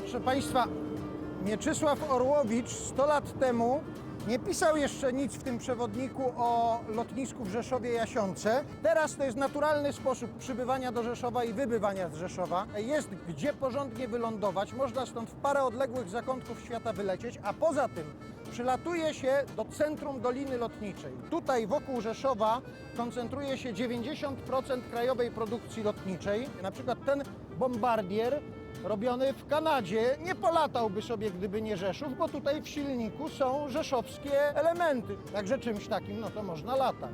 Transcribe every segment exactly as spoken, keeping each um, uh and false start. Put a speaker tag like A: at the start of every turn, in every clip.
A: Proszę Państwa, Mieczysław Orłowicz sto lat temu nie pisał jeszcze nic w tym przewodniku o lotnisku w Rzeszowie-Jasionce. Teraz to jest naturalny sposób przybywania do Rzeszowa i wybywania z Rzeszowa. Jest gdzie porządnie wylądować, można stąd w parę odległych zakątków świata wylecieć, a poza tym przylatuje się do centrum Doliny Lotniczej. Tutaj wokół Rzeszowa koncentruje się dziewięćdziesiąt procent krajowej produkcji lotniczej. Na przykład ten bombardier robiony w Kanadzie nie polatałby sobie, gdyby nie Rzeszów, bo tutaj w silniku są rzeszowskie elementy. Także czymś takim, no to można latać.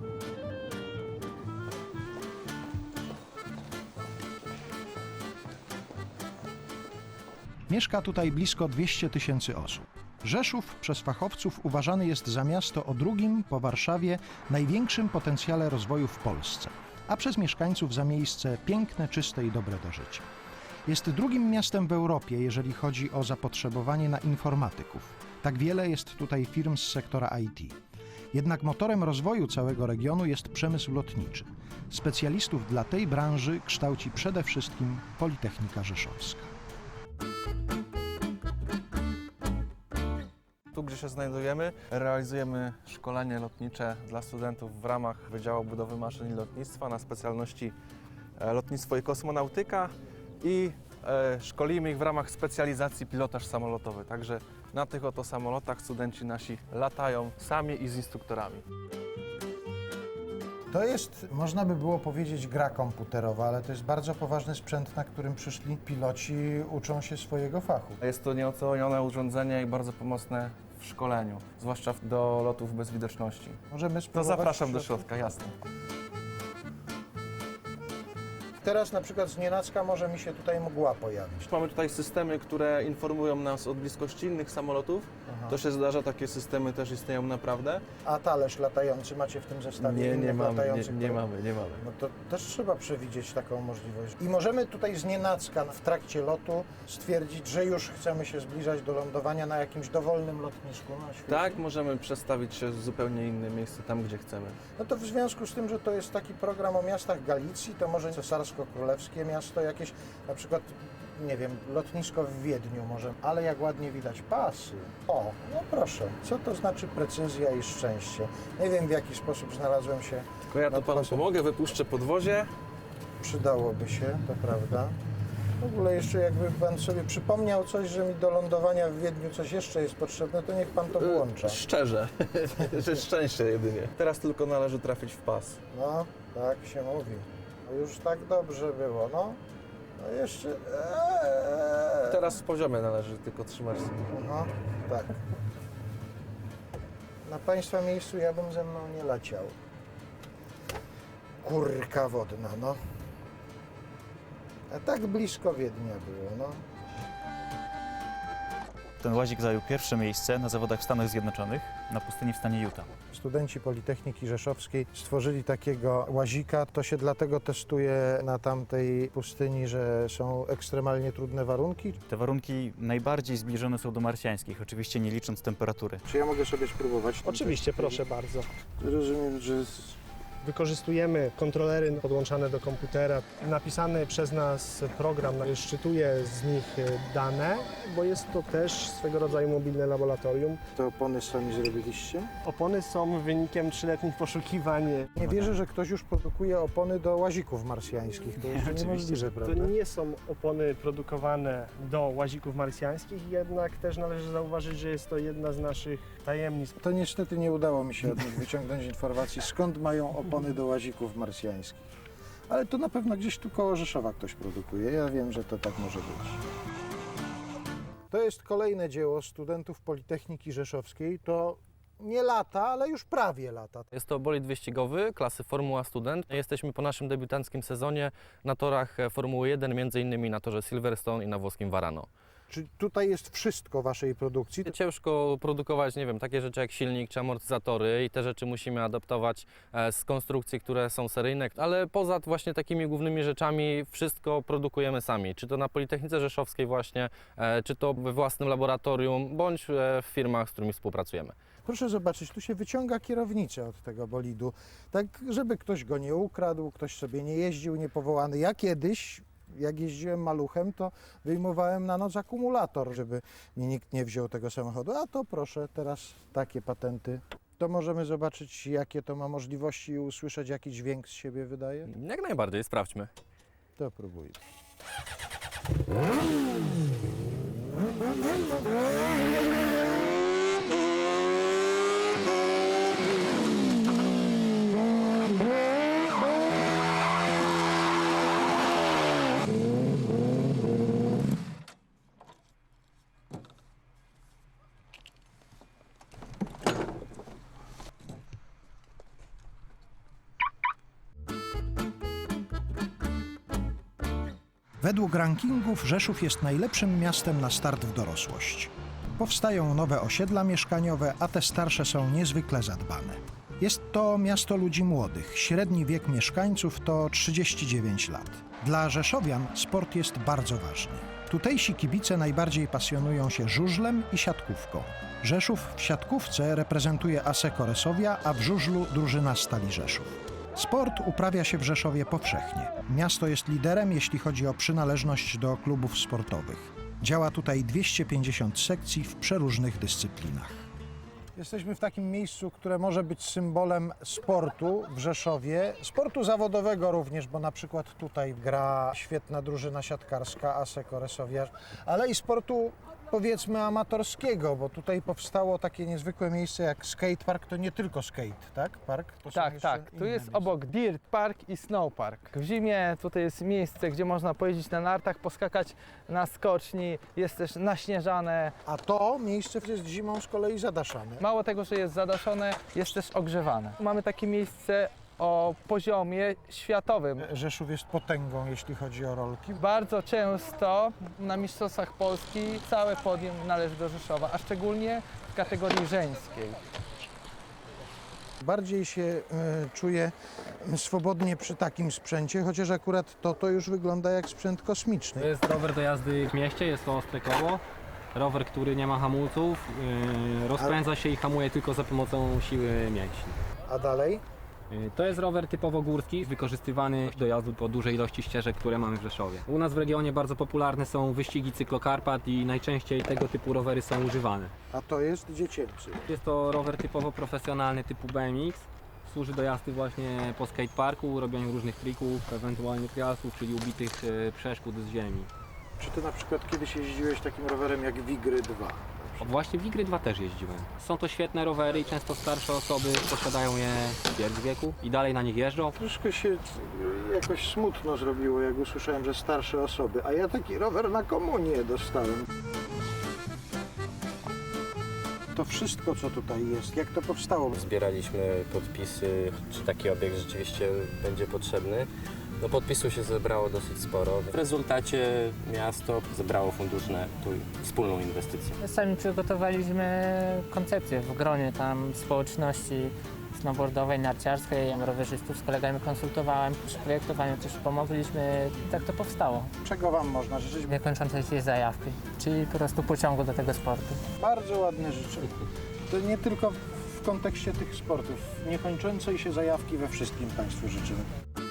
B: Mieszka tutaj blisko dwieście tysięcy osób. Rzeszów przez fachowców uważany jest za miasto o drugim po Warszawie największym potencjale rozwoju w Polsce, a przez mieszkańców za miejsce piękne, czyste i dobre do życia. Jest drugim miastem w Europie, jeżeli chodzi o zapotrzebowanie na informatyków. Tak wiele jest tutaj firm z sektora I T. Jednak motorem rozwoju całego regionu jest przemysł lotniczy. Specjalistów dla tej branży kształci przede wszystkim Politechnika Rzeszowska.
C: Tu, gdzie się znajdujemy, realizujemy szkolenie lotnicze dla studentów w ramach Wydziału Budowy Maszyn i Lotnictwa na specjalności lotnictwo i kosmonautyka i e, szkolimy ich w ramach specjalizacji pilotaż samolotowy. Także na tych oto samolotach studenci nasi latają sami i z instruktorami.
A: To jest, można by było powiedzieć, gra komputerowa, ale to jest bardzo poważny sprzęt, na którym przyszli piloci, uczą się swojego fachu.
C: Jest to nieocenione urządzenie i bardzo pomocne w szkoleniu, zwłaszcza do lotów bez widoczności.
A: Możemy
C: To
A: spróbować.
C: zapraszam do środka, jasne.
A: Teraz na przykład znienacka może mi się tutaj mgła pojawić.
C: Mamy tutaj systemy, które informują nas o bliskości innych samolotów.
A: Aha.
C: To się zdarza, takie systemy też istnieją naprawdę.
A: A talerz latający macie w tym zestawie?
C: Nie, nie
A: innych
C: mamy, nie,
A: latających,
C: nie
A: które-
C: mamy, nie mamy.
A: No to też trzeba przewidzieć taką możliwość. I możemy tutaj znienacka w trakcie lotu stwierdzić, że już chcemy się zbliżać do lądowania na jakimś dowolnym lotnisku na świecie.
C: Tak, możemy przestawić się w zupełnie inne miejsce, tam gdzie chcemy.
A: No to w związku z tym, że to jest taki program o miastach Galicji, to może cesarsko-królewskie miasto jakieś, na przykład, nie wiem, lotnisko w Wiedniu może, ale jak ładnie widać pasy. O, no proszę, co to znaczy precyzja i szczęście? Nie wiem, w jaki sposób znalazłem się.
C: Tylko ja tu
A: nad
C: panu
A: pasem.
C: pomogę, wypuszczę podwozie.
A: Przydałoby się, to prawda. W ogóle jeszcze jakby pan sobie przypomniał coś, że mi do lądowania w Wiedniu coś jeszcze jest potrzebne, to niech pan to włącza.
C: Szczerze, że szczęście jedynie. Teraz tylko należy trafić w pas.
A: No, tak się mówi. No już tak dobrze było, no. No jeszcze... Eee.
C: Teraz w poziomie należy tylko trzymać.
A: Aha, tak. Na państwa miejscu ja bym ze mną nie leciał. Kurka wodna, no. A tak blisko Wiednia było, no.
D: Ten łazik zajął pierwsze miejsce na zawodach w Stanach Zjednoczonych na pustyni w stanie Utah.
A: Studenci Politechniki Rzeszowskiej stworzyli takiego łazika. To się dlatego testuje na tamtej pustyni, że są ekstremalnie trudne warunki.
D: Te warunki najbardziej zbliżone są do marsjańskich, oczywiście nie licząc temperatury.
A: Czy ja mogę sobie spróbować?
E: Oczywiście, proszę bardzo.
A: Rozumiem, że...
E: Wykorzystujemy kontrolery podłączane do komputera. Napisany przez nas program szczytuje z nich dane, bo jest to też swego rodzaju mobilne laboratorium.
A: Te opony sami zrobiliście?
E: Opony są wynikiem trzyletnich poszukiwań.
A: Nie wierzę, że ktoś już produkuje opony do łazików marsjańskich. To jeszcze niemożliwe,
E: To
A: prawda?
E: nie są opony produkowane do łazików marsjańskich, jednak też należy zauważyć, że jest to jedna z naszych tajemnic.
A: To niestety nie udało mi się od nich wyciągnąć informacji, skąd mają opony do łazików marsjańskich. Ale to na pewno gdzieś tu koło Rzeszowa ktoś produkuje. Ja wiem, że to tak może być. To jest kolejne dzieło studentów Politechniki Rzeszowskiej. To nie lata, ale już prawie lata.
F: Jest to bolid wyścigowy klasy Formuła Student. Jesteśmy po naszym debiutanckim sezonie na torach Formuły jeden, między innymi na torze Silverstone i na włoskim Varano.
A: Czy tutaj jest wszystko waszej produkcji?
F: Ciężko produkować, nie wiem, takie rzeczy jak silnik czy amortyzatory i te rzeczy musimy adaptować e, z konstrukcji, które są seryjne, ale poza właśnie takimi głównymi rzeczami wszystko produkujemy sami, czy to na Politechnice Rzeszowskiej właśnie, e, czy to we własnym laboratorium, bądź e, w firmach, z którymi współpracujemy.
A: Proszę zobaczyć, tu się wyciąga kierownicę od tego bolidu, tak żeby ktoś go nie ukradł, ktoś sobie nie jeździł niepowołany. Ja kiedyś Jak jeździłem maluchem, to wyjmowałem na noc akumulator, żeby mi nikt nie wziął tego samochodu. A to proszę, teraz takie patenty. To możemy zobaczyć, jakie to ma możliwości i usłyszeć, jaki dźwięk z siebie wydaje?
F: Jak najbardziej, sprawdźmy.
A: To próbuję.
B: Według rankingów Rzeszów jest najlepszym miastem na start w dorosłość. Powstają nowe osiedla mieszkaniowe, a te starsze są niezwykle zadbane. Jest to miasto ludzi młodych. Średni wiek mieszkańców to trzydzieści dziewięć lat. Dla rzeszowian sport jest bardzo ważny. Tutejsi kibice najbardziej pasjonują się żużlem i siatkówką. Rzeszów w siatkówce reprezentuje Asseco Resowia, a w żużlu drużyna Stali Rzeszów. Sport uprawia się w Rzeszowie powszechnie. Miasto jest liderem, jeśli chodzi o przynależność do klubów sportowych. Działa tutaj dwieście pięćdziesiąt sekcji w przeróżnych dyscyplinach.
A: Jesteśmy w takim miejscu, które może być symbolem sportu w Rzeszowie, sportu zawodowego również, bo na przykład tutaj gra świetna drużyna siatkarska Asseco Resowia, ale i sportu powiedzmy amatorskiego, bo tutaj powstało takie niezwykłe miejsce jak skatepark, to nie tylko skate, tak? Park? To są
G: Tak,
A: jeszcze
G: tak. Tu
A: inne
G: jest
A: miejsca.
G: obok Dirt Park i Snow Park. W zimie tutaj jest miejsce, gdzie można pojeździć na nartach, poskakać na skoczni, jest też naśnieżane.
A: A to miejsce jest zimą z kolei zadaszane.
G: Mało tego, że jest zadaszone, jest też ogrzewane. Mamy takie miejsce o poziomie światowym.
A: Rzeszów jest potęgą, jeśli chodzi o rolki.
G: Bardzo często na Mistrzostwach Polski całe podium należy do Rzeszowa, a szczególnie w kategorii żeńskiej.
A: Bardziej się y, czuję swobodnie przy takim sprzęcie, chociaż akurat to, to już wygląda jak sprzęt kosmiczny.
H: To jest rower do jazdy w mieście, jest to ostre koło. Rower, który nie ma hamulców, yy, rozpędza się i hamuje tylko za pomocą siły mięśni.
A: A dalej?
H: Yy, To jest rower typowo górski, wykorzystywany do jazdy po dużej ilości ścieżek, które mamy w Rzeszowie. U nas w regionie bardzo popularne są wyścigi cyklokarpat i najczęściej tego typu rowery są używane.
A: A to jest dziecięcy.
H: Jest to rower typowo profesjonalny typu B M X. Służy do jazdy właśnie po skateparku, robieniu różnych trików, ewentualnie trialsów, czyli ubitych yy, przeszkód z ziemi.
A: Czy ty na przykład kiedyś jeździłeś takim rowerem jak Wigry dwa?
H: O, Właśnie w Wigry dwa też jeździłem. Są to świetne rowery i często starsze osoby posiadają je w ćwierć wieku i dalej na nich jeżdżą.
A: Troszkę się jakoś smutno zrobiło, jak usłyszałem, że starsze osoby, a ja taki rower na komunię dostałem. To wszystko, co tutaj jest, jak to powstało?
I: Zbieraliśmy podpisy, czy taki obiekt rzeczywiście będzie potrzebny. No podpisów się zebrało dosyć sporo. W rezultacie miasto zebrało fundusz na tu wspólną inwestycję.
J: Sami przygotowaliśmy koncepcję w gronie tam społeczności snowboardowej, narciarskiej, rowerzystów z kolegami konsultowałem. Przy projektowaniu też pomogliśmy, tak to powstało.
A: Czego wam można życzyć?
J: Niekończącej się zajawki, czyli po prostu pociągu do tego sportu.
A: Bardzo ładne życzenie. To nie tylko w kontekście tych sportów. Niekończącej się zajawki we wszystkim Państwu życzymy.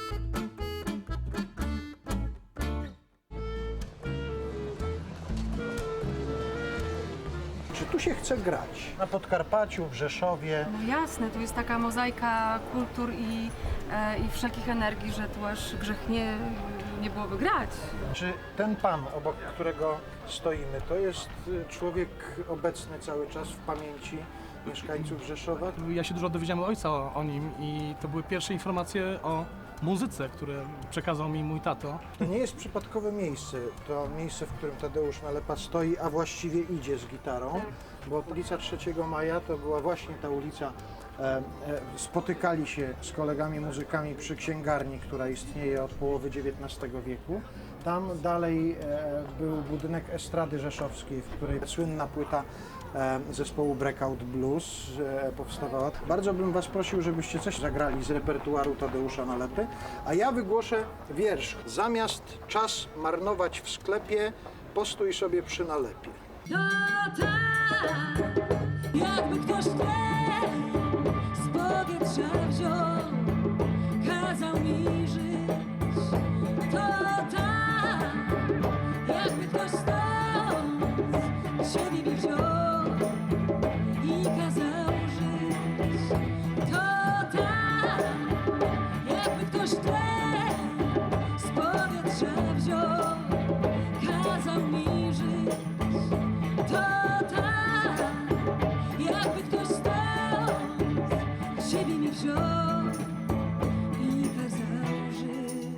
A: Czy tu się chce grać? Na Podkarpaciu, w Rzeszowie.
K: No jasne, tu jest taka mozaika kultur i, e, i wszelkich energii, że tu aż grzech nie, nie byłoby grać.
A: Czy ten pan, obok którego stoimy, to jest y, człowiek obecny cały czas w pamięci mieszkańców Rzeszowa?
L: Ja się dużo dowiedziałem od ojca o, o nim i to były pierwsze informacje o muzyce, które przekazał mi mój tato.
A: To nie jest przypadkowe miejsce, to miejsce, w którym Tadeusz Nalepa stoi, a właściwie idzie z gitarą, bo ulica trzeciego maja to była właśnie ta ulica, e, e, spotykali się z kolegami muzykami przy księgarni, która istnieje od połowy dziewiętnastego wieku. Tam dalej e, był budynek Estrady Rzeszowskiej, w której słynna płyta e, zespołu Breakout Blues e, powstawała. Bardzo bym was prosił, żebyście coś zagrali z repertuaru Tadeusza Nalepy, a ja wygłoszę wiersz. Zamiast czas marnować w sklepie, postój sobie przy nalepie.
M: To tak, jakby ktoś chleb z powietrza wziął, kazał mi żyć. To tak, jakby ktoś stąd siebie mi wziął i kazał żyć. To tak, jakby ktoś tlen z powietrza wziął, kazał mi żyć. To tak, jakby ktoś stąd siebie mi wziął i kazał żyć.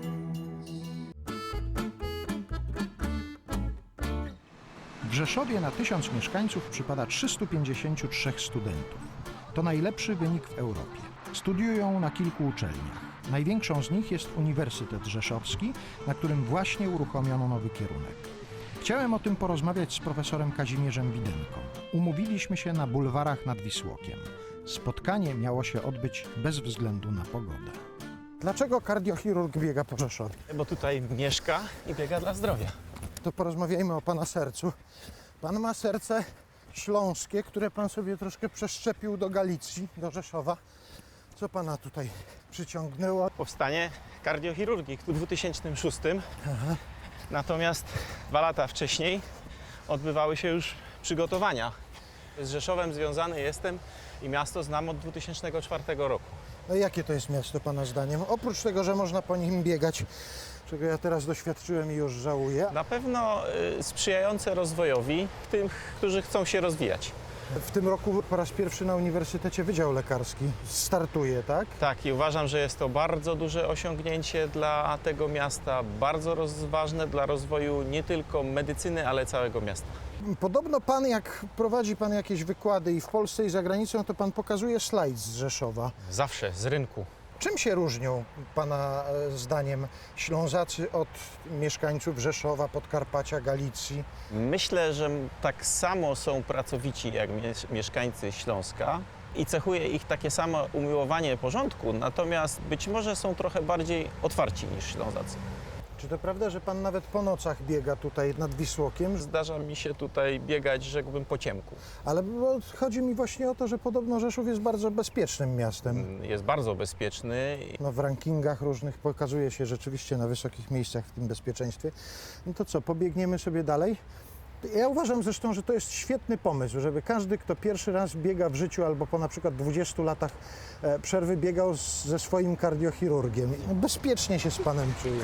B: W Rzeszowie na tysiąc mieszkańców przypada trzystu pięćdziesięciu trzech studentów. To najlepszy wynik w Europie. Studiują na kilku uczelniach. Największą z nich jest Uniwersytet Rzeszowski, na którym właśnie uruchomiono nowy kierunek. Chciałem o tym porozmawiać z profesorem Kazimierzem Widenką. Umówiliśmy się na bulwarach nad Wisłokiem. Spotkanie miało się odbyć bez względu na pogodę.
A: Dlaczego kardiochirurg biega po Rzeszowie?
N: Bo tutaj mieszka i biega dla zdrowia.
A: To porozmawiajmy o pana sercu. Pan ma serce śląskie, które pan sobie troszkę przeszczepił do Galicji, do Rzeszowa. Co pana tutaj przyciągnęło?
N: Powstanie kardiochirurgii w dwa tysiące szóstym.
A: Aha.
N: Natomiast dwa lata wcześniej odbywały się już przygotowania. Z Rzeszowem związany jestem i miasto znam od dwa tysiące czwartego roku.
A: No jakie to jest miasto pana zdaniem? Oprócz tego, że można po nim biegać, czego ja teraz doświadczyłem i już żałuję.
N: Na pewno y, sprzyjające rozwojowi tych, którzy chcą się rozwijać.
A: W tym roku po raz pierwszy na Uniwersytecie Wydział Lekarski startuje, tak?
N: Tak, i uważam, że jest to bardzo duże osiągnięcie dla tego miasta, bardzo rozważne dla rozwoju nie tylko medycyny, ale całego miasta.
A: Podobno pan, jak prowadzi pan jakieś wykłady i w Polsce i za granicą, to pan pokazuje slajd z Rzeszowa.
N: Zawsze, z rynku.
A: Czym się różnią pana e, zdaniem Ślązacy od mieszkańców Rzeszowa, Podkarpacia, Galicji?
N: Myślę, że tak samo są pracowici jak mieszkańcy Śląska i cechuje ich takie samo umiłowanie porządku, natomiast być może są trochę bardziej otwarci niż Ślązacy.
A: Czy to prawda, że pan nawet po nocach biega tutaj nad Wisłokiem?
N: Zdarza mi się tutaj biegać, rzekłbym, po ciemku.
A: Ale bo chodzi mi właśnie o to, że podobno Rzeszów jest bardzo bezpiecznym miastem.
N: Jest bardzo bezpieczny.
A: No, w rankingach różnych pokazuje się rzeczywiście na wysokich miejscach w tym bezpieczeństwie. No to co, pobiegniemy sobie dalej? Ja uważam zresztą, że to jest świetny pomysł, żeby każdy, kto pierwszy raz biega w życiu albo po na przykład dwudziestu latach e, przerwy biegał z, ze swoim kardiochirurgiem. No, bezpiecznie się z panem czuję.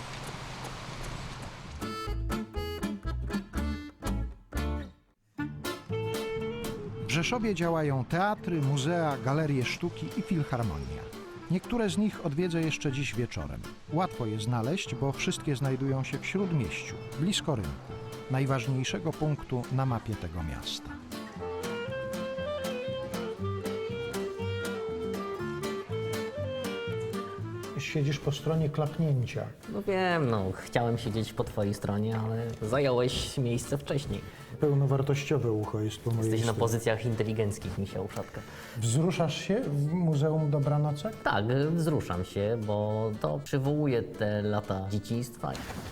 B: W Rzeszowie działają teatry, muzea, galerie sztuki i filharmonia. Niektóre z nich odwiedzę jeszcze dziś wieczorem. Łatwo je znaleźć, bo wszystkie znajdują się w Śródmieściu, blisko rynku, najważniejszego punktu na mapie tego miasta.
A: Siedzisz po stronie klapnięcia.
O: No wiem, no chciałem siedzieć po twojej stronie, ale zająłeś miejsce wcześniej.
A: Pełnowartościowe ucho jest po mojej
O: Jesteś na
A: stronie.
O: pozycjach inteligenckich, misia uszatka.
A: Wzruszasz się w Muzeum Dobranocek?
O: Tak, wzruszam się, bo to przywołuje te lata dzieciństwa.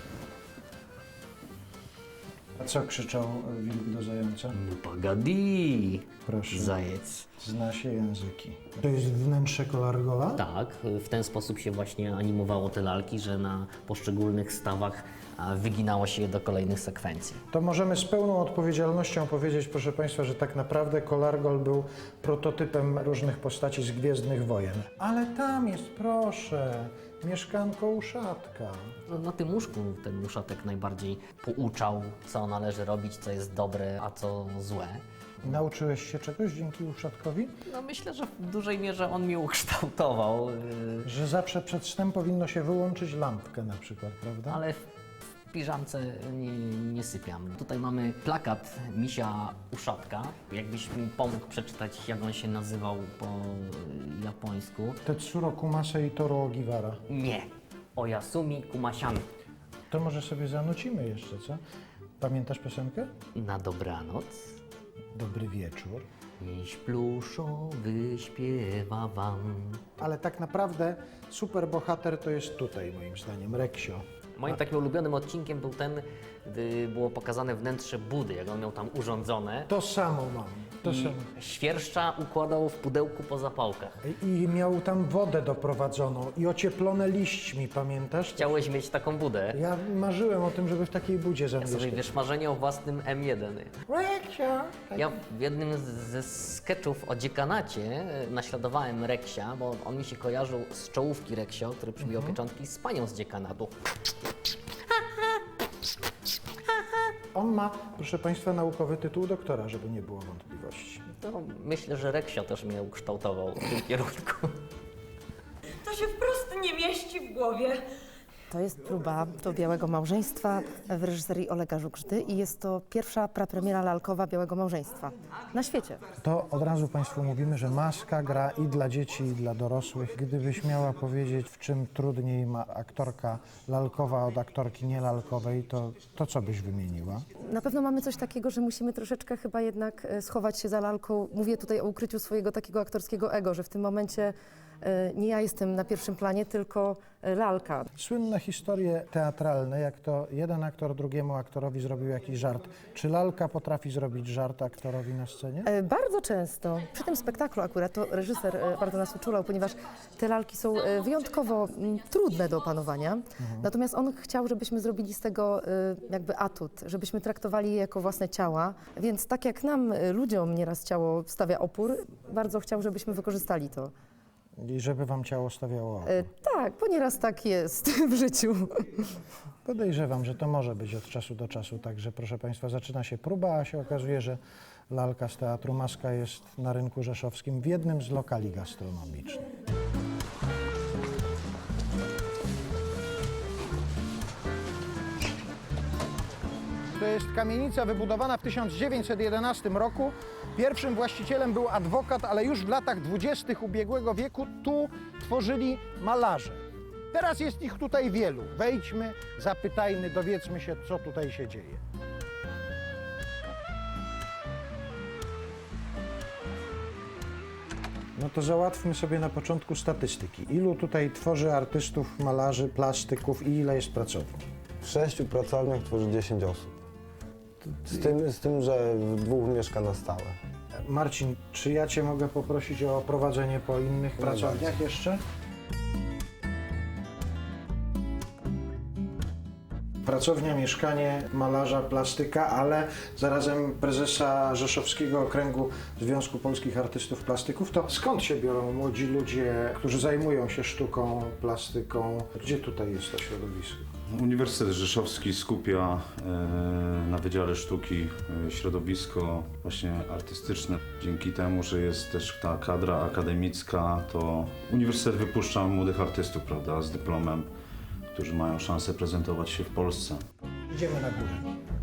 A: A co krzyczał wilk do zająca?
O: Pagadi!
A: Proszę.
O: Zajec.
A: Zna się języki. To jest wnętrze Kolargola?
O: Tak, w ten sposób się właśnie animowało te lalki, że na poszczególnych stawach a, wyginało się je do kolejnych sekwencji.
A: To możemy z pełną odpowiedzialnością powiedzieć, proszę Państwa, że tak naprawdę Kolargol był prototypem różnych postaci z Gwiezdnych Wojen. Ale tam jest, proszę, mieszkanko uszatka.
O: No, na tym łóżku ten uszatek najbardziej pouczał, co należy robić, co jest dobre, a co złe.
A: Nauczyłeś się czegoś dzięki uszatkowi?
O: No myślę, że w dużej mierze on mnie ukształtował.
A: Że zawsze przed snem powinno się wyłączyć lampkę na przykład, prawda?
O: Ale w, w piżamce nie, nie sypiam. Tutaj mamy plakat misia uszatka. Jakbyś mi pomógł przeczytać, jak on się nazywał po japońsku.
A: Tetsuro Kumase i Toro Ogiwara.
O: Nie. Oyasumi Kumasian.
A: To może sobie zanucimy jeszcze, co? Pamiętasz piosenkę?
O: Na dobranoc.
A: Dobry wieczór.
O: Miś pluszowy śpiewa wam.
A: Ale tak naprawdę superbohater to jest tutaj, moim zdaniem, Reksio.
O: Moim takim ulubionym odcinkiem był ten, gdy było pokazane wnętrze Budy, jak on miał tam urządzone.
A: To samo mam.
B: To
O: i
B: samo.
O: świerszcza układał w pudełku po zapałkach.
B: I miał tam wodę doprowadzoną i ocieplone liśćmi, pamiętasz?
O: Chciałeś mieć taką budę?
B: Ja marzyłem o tym, żeby w takiej budzie
O: Ja sobie,
B: zamieszkać.
O: wiesz, marzenie o własnym M jeden.
B: Reksia!
O: Ja w jednym z- ze sketchów o dziekanacie e, naśladowałem Reksia, bo on mi się kojarzył z czołówki Reksio, który przybijał pieczątki z panią z dziekanatu.
B: On ma, proszę Państwa, naukowy tytuł doktora, żeby nie było wątpliwości.
O: To myślę, że Reksio też mnie ukształtował w tym kierunku.
M: To się wprost nie mieści w głowie.
P: To jest próba do Białego Małżeństwa w reżyserii Olega Żugżdy i jest to pierwsza prapremiera lalkowa Białego Małżeństwa na świecie.
B: To od razu Państwu mówimy, że Maska gra i dla dzieci, i dla dorosłych. Gdybyś miała powiedzieć, w czym trudniej ma aktorka lalkowa od aktorki nielalkowej, to, to co byś wymieniła?
P: Na pewno mamy coś takiego, że musimy troszeczkę chyba jednak e, schować się za lalką. Mówię tutaj o ukryciu swojego takiego aktorskiego ego, że w tym momencie e, nie ja jestem na pierwszym planie, tylko e, lalka.
B: Słynne historie teatralne, jak to jeden aktor drugiemu aktorowi zrobił jakiś żart. Czy lalka potrafi zrobić żart aktorowi na scenie?
P: E, Bardzo często. Przy tym spektaklu akurat to reżyser e, bardzo nas uczulał, ponieważ te lalki są e, wyjątkowo m, trudne do opanowania. Natomiast on chciał, żebyśmy zrobili z tego e, jakby atut, żebyśmy traktowali je jako własne ciała. Więc tak jak nam, e, ludziom nieraz ciało stawia opór, bardzo chciał, żebyśmy wykorzystali to.
B: I żeby wam ciało stawiało opór.
P: E, Tak, bo nieraz tak jest w życiu.
B: Podejrzewam, że to może być od czasu do czasu, także proszę Państwa, zaczyna się próba, a się okazuje, że lalka z Teatru Maska jest na rynku rzeszowskim w jednym z lokali gastronomicznych.
A: To jest kamienica wybudowana w tysiąc dziewięćset jedenastym roku. Pierwszym właścicielem był adwokat, ale już w latach dwudziestych ubiegłego wieku tu tworzyli malarze. Teraz jest ich tutaj wielu. Wejdźmy, zapytajmy, dowiedzmy się, co tutaj się dzieje.
B: No to załatwmy sobie na początku statystyki. Ilu tutaj tworzy artystów, malarzy, plastyków i ile jest pracowni?
Q: W sześciu pracowniach tworzy dziesięć osób. Z tym, z tym, że w dwóch mieszka na stałe.
B: Marcin, czy ja Cię mogę poprosić o prowadzenie po innych pracowniach jeszcze? Pracownia, mieszkanie malarza, plastyka, ale zarazem prezesa Rzeszowskiego Okręgu Związku Polskich Artystów Plastyków. To skąd się biorą młodzi ludzie, którzy zajmują się sztuką, plastyką? Gdzie tutaj jest to środowisko?
R: Uniwersytet Rzeszowski skupia e, na Wydziale Sztuki e, środowisko właśnie artystyczne. Dzięki temu, że jest też ta kadra akademicka, to uniwersytet wypuszcza młodych artystów, prawda, z dyplomem, którzy mają szansę prezentować się w Polsce.
B: Idziemy na górę.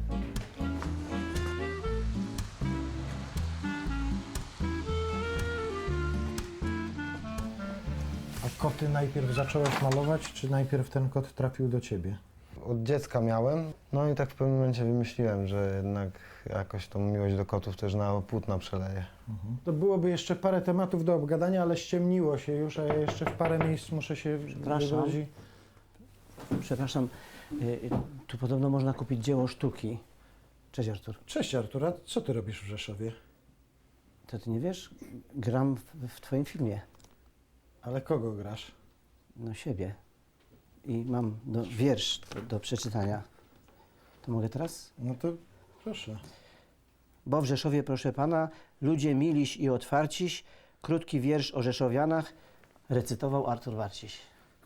B: A koty najpierw zacząłeś malować, czy najpierw ten kot trafił do ciebie?
Q: Od dziecka miałem, no i tak w pewnym momencie wymyśliłem, że jednak jakoś tą miłość do kotów też na płótna przeleję.
B: To byłoby jeszcze parę tematów do obgadania, ale ściemniło się już, a ja jeszcze w parę miejsc muszę się
S: Przepraszam.
B: wydrodzić.
S: Przepraszam, y, y, tu podobno można kupić dzieło sztuki. Cześć Artur.
B: Cześć Artur, a co ty robisz w Rzeszowie?
S: To ty nie wiesz? Gram w, w twoim filmie.
B: Ale kogo grasz?
S: No siebie. I mam do, wiersz do, do przeczytania. To mogę teraz?
B: No to proszę.
S: Bo w Rzeszowie, proszę pana, ludzie miliś i otwarciś, krótki wiersz o Rzeszowianach recytował Artur Warciś.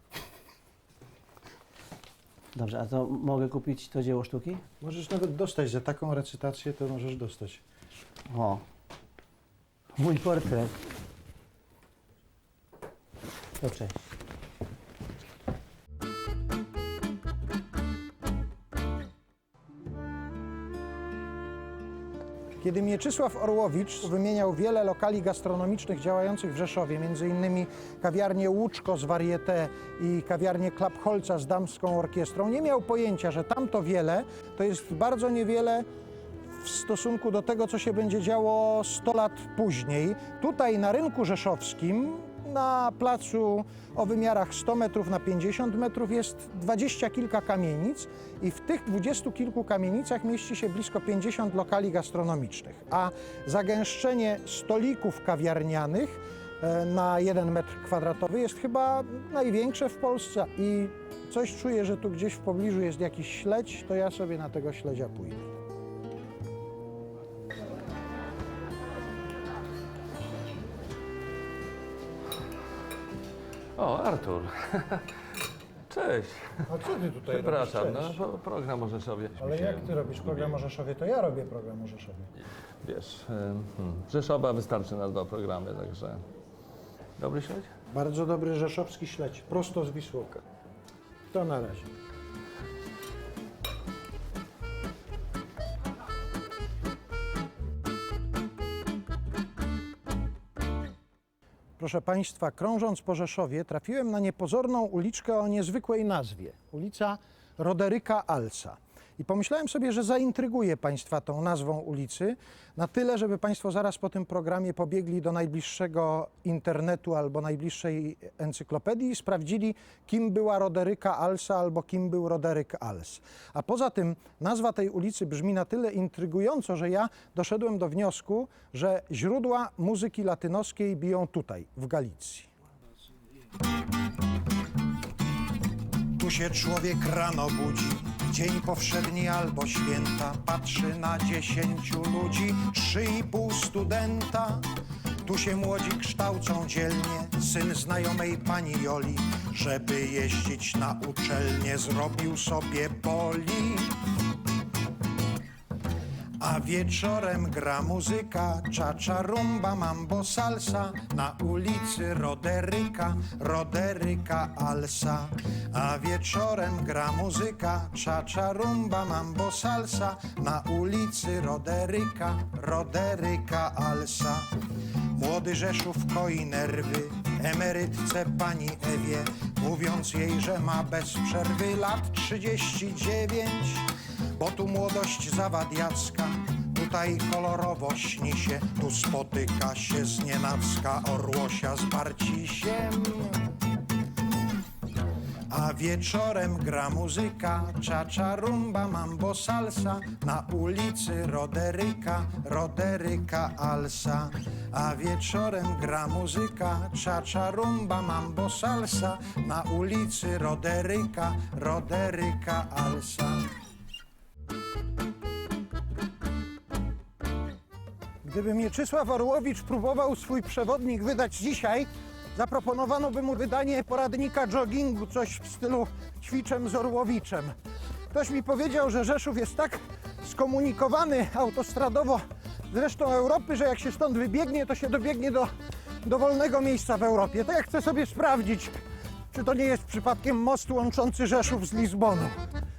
S: Dobrze, a to mogę kupić to dzieło sztuki?
B: Możesz nawet dostać za taką recytację, to możesz dostać.
S: O, mój portret. To cześć.
A: Kiedy Mieczysław Orłowicz wymieniał wiele lokali gastronomicznych działających w Rzeszowie, między innymi kawiarnię Łuczko z Varieté i kawiarnię Klapholca z damską orkiestrą, nie miał pojęcia, że tamto wiele to jest bardzo niewiele w stosunku do tego, co się będzie działo sto lat później. Tutaj na rynku rzeszowskim Na placu o wymiarach sto metrów na pięćdziesiąt metrów jest dwadzieścia kilka kamienic i w tych dwudziestu kilku kamienicach mieści się blisko pięćdziesiąt lokali gastronomicznych, a zagęszczenie stolików kawiarnianych e, na jeden metr kwadratowy jest chyba największe w Polsce i coś czuję, że tu gdzieś w pobliżu jest jakiś śledź, to ja sobie na tego śledzia pójdę.
T: O, Artur. Cześć.
A: A co ty tutaj
T: Przepraszam,
A: robisz?
T: no,
A: Cześć.
T: pro- program o Rzeszowie.
A: Ale jak ty robisz program o Rzeszowie, to ja robię program o Rzeszowie.
T: Wiesz, hmm, Rzeszowa wystarczy na dwa programy, także... Dobry śledź?
A: Bardzo dobry rzeszowski śledź, prosto z Wisłoka. To na razie. Proszę Państwa, krążąc po Rzeszowie, trafiłem na niepozorną uliczkę o niezwykłej nazwie. Ulica Roderyka Alsa. I pomyślałem sobie, że zaintryguję Państwa tą nazwą ulicy na tyle, żeby Państwo zaraz po tym programie pobiegli do najbliższego internetu albo najbliższej encyklopedii i sprawdzili, kim była Roderyka Alsa albo kim był Roderyk Als. A poza tym nazwa tej ulicy brzmi na tyle intrygująco, że ja doszedłem do wniosku, że źródła muzyki latynoskiej biją tutaj, w Galicji.
B: Tu się człowiek rano budzi, dzień powszedni albo święta, patrzy na dziesięciu ludzi, trzy i pół studenta. Tu się młodzi kształcą dzielnie, syn znajomej pani Joli, żeby jeździć na uczelnię, zrobił sobie poli. A wieczorem gra muzyka, czacza, rumba, mambo, salsa na ulicy Roderyka, Roderyka Alsa. A wieczorem gra muzyka, czacza, rumba, mambo, salsa na ulicy Roderyka, Roderyka Alsa. Młody Rzeszów koi nerwy emerytce pani Ewie, mówiąc jej, że ma bez przerwy lat trzydzieści dziewięć. Bo tu młodość zawadiacka, tutaj kolorowo śni się, tu spotyka się znienacka Orłosia z Barcisiem. A wieczorem gra muzyka, czacza, rumba, mambo, salsa na ulicy Roderyka, Roderyka Alsa. A wieczorem gra muzyka, czacza, rumba, mambo, salsa na ulicy Roderyka, Roderyka Alsa.
A: Gdyby Mieczysław Orłowicz próbował swój przewodnik wydać dzisiaj, zaproponowano by mu wydanie poradnika joggingu, coś w stylu ćwiczem z Orłowiczem. Ktoś mi powiedział, że Rzeszów jest tak skomunikowany autostradowo z resztą Europy, że jak się stąd wybiegnie, to się dobiegnie do dowolnego miejsca w Europie. To ja chcę sobie sprawdzić, czy to nie jest przypadkiem most łączący Rzeszów z Lizboną.